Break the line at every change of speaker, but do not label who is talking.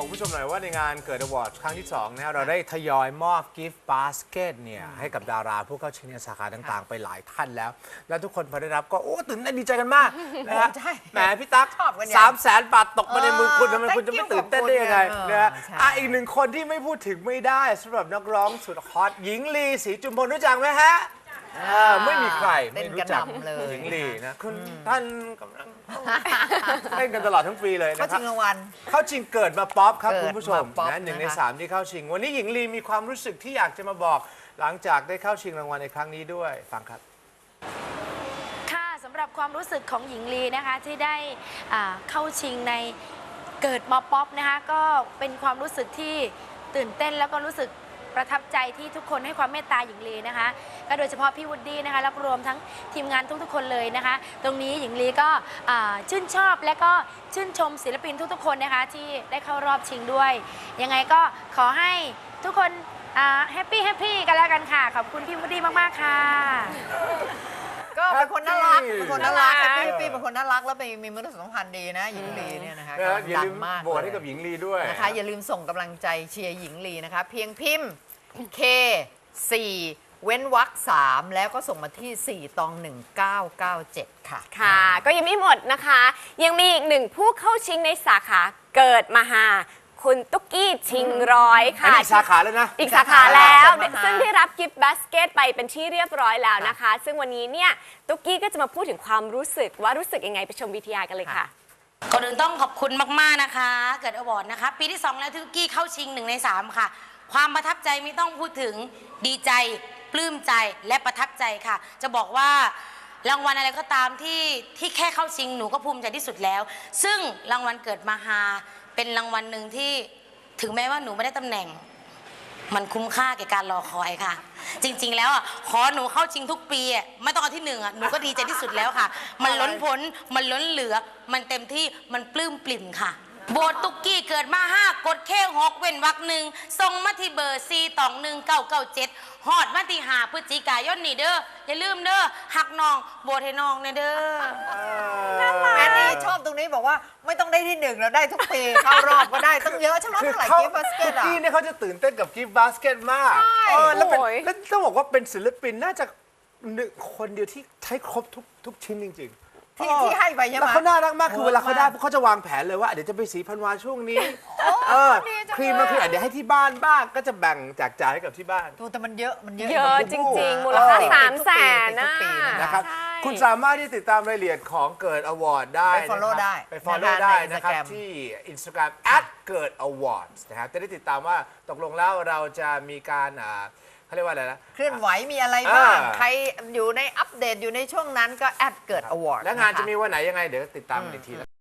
คุณผู้ชมหน่อยว่าในงานเกิดอวอร์ดครั้งที่2นะเราได้ทยอยมอบกิฟต์บาสเกตเนี่ยให้กับดาราผู้เข้าชิงในสาขาต่างๆ ไปหลายท่านแล้ว และทุกคนพอได้รับก็โอ้ตื่นเต้นดีใจกันมากนะฮะแหมพี่ตั๊ก300,000 บาทตกมาในมือคุณทำไมคุณจะไม่ตื่นเต้นได้ยังไงนะฮะอีกหนึ่งคนที่ไม่พูดถึงไม่ได้สำหรับนักร้องสุดฮอตหญิงลีศรีจุมพลรู้จักไหมฮะไม่มีใครไม่รู้จักหญิงลีนะคุณท่านกำลังเล่นกันตลอดทั้งปีเลยนะครับ
เข้าชิงรางวัล
เข้าชิงเกิดมาป๊อปครับคุณผู้ชมนะ1 ใน 3ที่เข้าชิงวันนี้หญิงลีมีความรู้สึกที่อยากจะมาบอกหลังจากได้เข้าชิงรางวัลในครั้งนี้ด้วยฟังครับ
ค่ะสำหรับความรู้สึกของหญิงลีนะคะที่ได้เข้าชิงในเกิดมาป๊อปนะคะก็เป็นความรู้สึกที่ตื่นเต้นแล้วก็รู้สึกประทับใจที่ทุกคนให้ความเมตตาหญิงลีนะคะก็โดยเฉพาะพี่วูดดี้นะคะแล้วรวมทั้งทีมงานทุกๆคนเลยนะคะตรงนี้หญิงลีก็ชื่นชอบและก็ชื่นชมศิลปินทุกๆคนนะคะที่ได้เข้ารอบชิงด้วยยังไงก็ขอให้ทุกคนแฮปปี้กันแล้วกันค่ะขอบคุณพี่วูดดี้มากๆค่ะ
ก็เป็นคนน่ารักเป็นคนน่ารักแฮปปี้เป็นคนน่ารักแล้วมีมนุษยสัมพันธ์ดีนะหญิงลีเนี่ยนะคะ
อย่าลืมโหวตให้กับหญิงลีด้วย
นะคะอย่าลืมส่งกำลังใจเชียร์หญิงลีนะคะเพียงพิมพ์ K 4เว้นวรรค3แล้วก็ส่งมาที่4 ตอง 1997ค่ะ
ค่ะก็ยังไม่หมดนะคะยังมีอีกหนึ่งผู้เข้าชิงในสาขาเกิดมาหาคุณตุ๊กกี้ชิงร้อยค่ะ
อีกสาขาแล้วนะ
อีกสาขาแล้วซึ่งได้รับกิฟต์บาสเกตไปเป็นที่เรียบร้อยแล้วนะคะซึ่งวันนี้เนี่ยตุ๊กกี้ก็จะมาพูดถึงความรู้สึกว่ารู้สึกยังไงไปชมวิทยากันเลยค่ะ
ก่อนอื่นต้องขอบคุณมากๆนะคะเกิดอวอร์ดนะคะปีที่2แล้วที่ตุ๊กกี้เข้าชิง1 ใน 3ค่ะความประทับใจไม่ต้องพูดถึงดีใจปลื้มใจและประทับใจค่ะจะบอกว่ารางวัลอะไรก็ตามที่แค่เข้าชิงหนูก็ภูมิใจที่สุดแล้วซึ่งรางวัลเกิดมาฮาเป็นรางวัลหนึ่งที่ถึงแม้ว่าหนูไม่ได้ตำแหน่งมันคุ้มค่าแก่การรอคอยค่ะจริงๆแล้วขอหนูเข้าชิงทุกปีไม่ต้องเอาที่1หนูก็ดีใจที่สุดแล้วค่ะมันล้นพ้นมันล้นเหลือมันเต็มที่มันปลื้มปริ่มค่ะโบตุ๊กกี้เกิดมา5กดแค่6เว้นวรรค1ส่งมาที่เบอร์4 ตอง 1997ฮอดมาที่5 พฤศจิกายนนี่เด้ออย่าลืมเด้อหักน้องโบให้น้องเนี่ยเด้อ
แม่นี่ชอบตรงนี้บอกว่าไม่ต้องได้ที่1แล้วได้ทุกปีเข้ารอบก็ได้ต้องเยอะใช่ไหมเท่าไหร่กิฟต์บาสเกต
ที่เนี่ยเขาจะตื่นเต้นกับกิฟต์บาสเกตมากแล้วต้องบอกว่าเป็นศิลปินน่าจะคนเดียวที่ใช้ครบทุกชิ้นจริงๆ
ที่ให้ไปใช่ไหม
แล้วเขาน่ารักมากคือเวลาเขาได้เขาจะวางแผนเลยว่าเดี๋ยวจะไปสีพันวาช่วงนี้ครีมมันคือเดี๋ยวให้ที่บ้านบ้างก็จะแบ่งแจกจ่ายให้กับที่บ้าน
แต่มันเยอะ
จริงๆมูลค่า300,000
นะครับคุณสามารถที่ติดตามรายละเอียดของเกิดอวอร์ดได้ไป
follow
ได้นะครับที่ Instagramเกิดอวอร์ดนะครับจะได้ติดตามว่าตกลงแล้วเราจะมีการเขาเรียกว่าอะไรนะ
เคลื่อนไหวมีอะไรบ้างใครอยู่ในอัปเดตอยู่ในช่วงนั้นก็เกิดอวอร์ด
และงานจะมีวันไหนยังไงเดี๋ยวติดตามกันอีกที